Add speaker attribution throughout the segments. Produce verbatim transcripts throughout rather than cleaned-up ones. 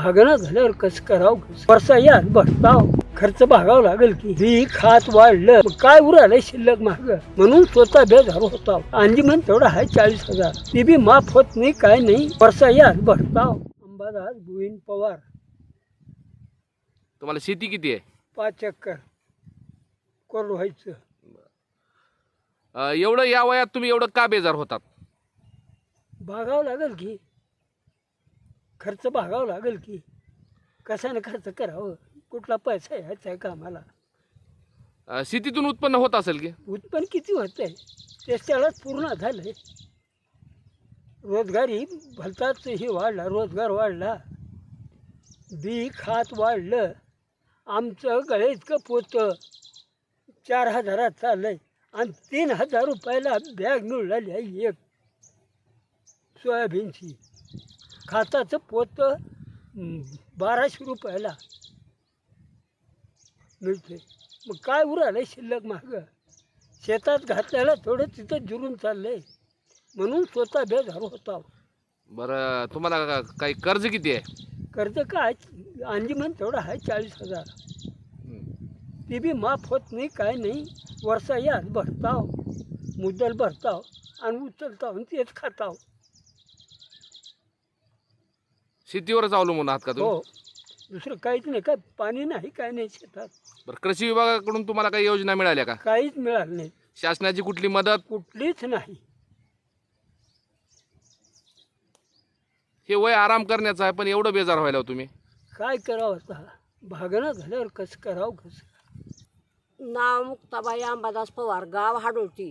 Speaker 1: भागणं झाल्यावर कसं करावं वर्षा या बसताव खर्च भागावं लागेल की बी खात वाढलं मग काय उरालंय शिल्लक महाग म्हणून स्वतः बेजार होता अंजीमन तेवढा आहे चाळीस हजार ती बी माफ होत नाही काय नाही वर्षा या बसताव अंबादास गोविंद पवार.
Speaker 2: तुम्हाला शेती किती आहे?
Speaker 1: पाच एकर कोरड व्हायचं.
Speaker 2: अ, एवढं या वयात तुम्ही एवढं का बेजार होतात?
Speaker 1: भागावं लागेल की खर्च भागावं लागेल की कशाने खर्च करावं कुठला पैसा यायचा आहे कामाला.
Speaker 2: अ, शेतीतून उत्पन्न होत असेल की?
Speaker 1: उत्पन्न किती होत आहे त्याच्यालाच पूर्ण झालंय. रोजगारी भलताच हे वाढला रोजगार वाढला बी खात वाढलं. आमचं गळे इतकं पोतं चार हजारात चाललंय आणि तीन हजार रुपयाला बॅग मिळाली आहे एक सोयाबीनची. खाताचं पोतं बाराशे रुपयाला मिळते मग काय उरालंय शिल्लक महाग शेतात घातल्याला थोडं तिथं जुरून चाललंय म्हणून स्वतः बेजार होता.
Speaker 2: बरं, तुम्हाला काही कर्ज किती आहे?
Speaker 1: कर्ज काय अंजीमन तेवढा आहे चाळीस हजार ती बी माफ होत नाही काय नाही. वर्षा या भरताव मुद्दल भरताव आणि उचलताव आणि तेच खाताव.
Speaker 2: शेतीवरच अवलंबून आहात का तुम्ही?
Speaker 1: हो दुसरं काहीच नाही काय पाणी नाही काय नाही शेतात.
Speaker 2: बरं, कृषी विभागाकडून तुम्हाला काही योजना मिळाल्या का?
Speaker 1: काहीच मिळालं नाही
Speaker 2: शासनाची कुठली मदत?
Speaker 1: कुठलीच नाही.
Speaker 2: हे वय आराम करण्याचं आहे पण एवढं बेजार व्हायला हो तुम्ही?
Speaker 1: काय करावं आता भागणं झाल्यावर कसं करावं कसं.
Speaker 3: नाव मुक्ताबाई अंबादास पवार, गाव हाडोटी.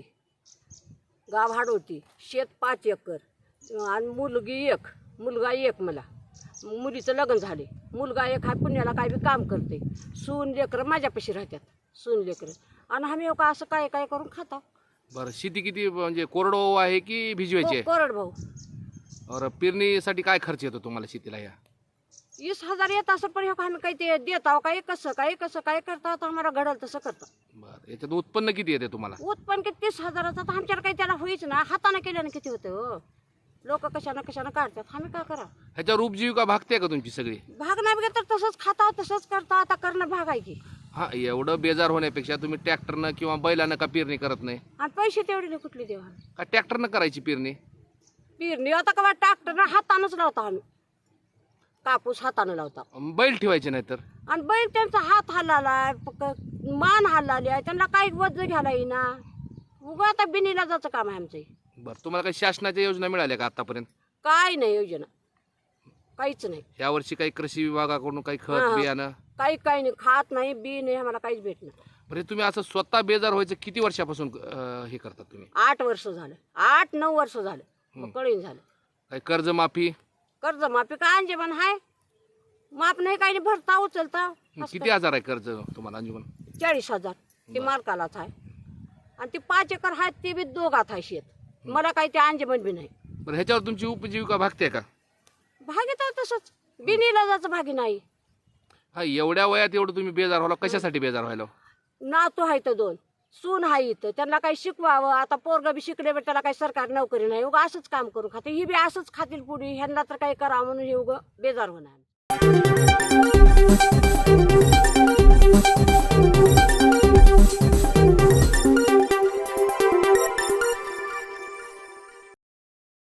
Speaker 3: गाव हाडोटी, शेत पाच एकर आणि मुलगी एक, मुलगा एक. मला मुलीचं लग्न झाले. मुलगा एक हा पुण्याला काय बी काम करते. सून लेकरं माझ्यापाशी राहतात. सून लेकरं आणि आम्ही का असं काय काय करून खाता.
Speaker 2: बरं, शेती किती म्हणजे कोरडवाहू आहे की भिजवायची आहे?
Speaker 3: कोरड भाऊ.
Speaker 2: और पेरणीसाठी काय खर्च येतो तुम्हाला शेतीला? या
Speaker 3: वीस हजार येत असं पण ह्यो का आम्ही काही ते देत आहो काय कसं काय कसं काय करता तर आम्हाला घडल तसं करता.
Speaker 2: बरं, याच्यात उत्पन्न किती येते तुम्हाला?
Speaker 3: उत्पन्न किती तीस हजाराचं तर आमच्याला काही त्याला होईच ना. हाताने केल्यानं किती होतं हो. लोक कशानं कशानं काढतात आम्ही काय करा.
Speaker 2: ह्याच्यावर उपजीविका भागते का तुमची सगळी?
Speaker 3: भाग नाही बघा तर तसंच खाता तसंच करता. आता करणं भाग आहे की.
Speaker 2: हा, एवढं बेजार होण्यापेक्षा तुम्ही ट्रॅक्टरनं किंवा बैलानं का पेरणी करत नाही?
Speaker 3: आणि पैसे तेवढे कुठले देवा.
Speaker 2: का ट्रॅक्टरनं करायची पेरणी?
Speaker 3: पेरणी आता का ट्रॅक्टर हातानंच लावता आम्ही. कापूस हातानं लावता.
Speaker 2: बैल ठेवायचे नाही तर?
Speaker 3: आणि बैल त्यांचा हात हल्लालाय मान हल्लाली आहे त्यांना काही वज घ्यायला येईना. उगा आता बिनीला जायचं काम आहे आमचं.
Speaker 2: बरं, तुम्हाला काही शासनाच्या योजना मिळाल्या का आतापर्यंत?
Speaker 3: काय नाही योजना काहीच नाही.
Speaker 2: या वर्षी काही कृषी विभागाकडून काही
Speaker 3: हा,
Speaker 2: खत
Speaker 3: हा.
Speaker 2: बियाणं?
Speaker 3: काही काही नाही. खात नाही बी नाही आम्हाला काहीच भेटणार.
Speaker 2: बरं, तुम्ही असं स्वतः बेजार व्हायचं किती वर्षापासून अं, हे करतात तुम्ही?
Speaker 3: आठ वर्ष झालं. आठ नऊ वर्ष झालं. मग कळीन झालं.
Speaker 2: काही कर्जमाफी?
Speaker 3: कर्ज माफी काय अंजेबन हाय. माप नाही काही नाही भरता उचलता.
Speaker 2: किती हजार आहे कर्ज तुम्हाला अंजुमन?
Speaker 3: चाळीस हजार ते मालकालाच आहे. आणि ते पाच एकर आहेत ते बी दोघात आहे शेत. मला काही ते अंजेबन बी नाही.
Speaker 2: बरं, ह्याच्यावर तुमची उपजीविका भागते का?
Speaker 3: भागीत आहे तसंच बिनीला जायचं भागी नाही.
Speaker 2: हा, एवढ्या वयात एवढं तुम्ही बेजार व्हायला कशासाठी बेजार व्हायला?
Speaker 3: नातू आहे तर दोन सून आहे इथं त्यांना काही शिकवावं. आता पोरगा बी शिकले त्याला काही सरकारी नोकरी नाही. उगा असंच काम करून खाते. ही बी असंच खातील पुढे ह्यांना तर काही करावं म्हणून हे उगं बेजार होणार.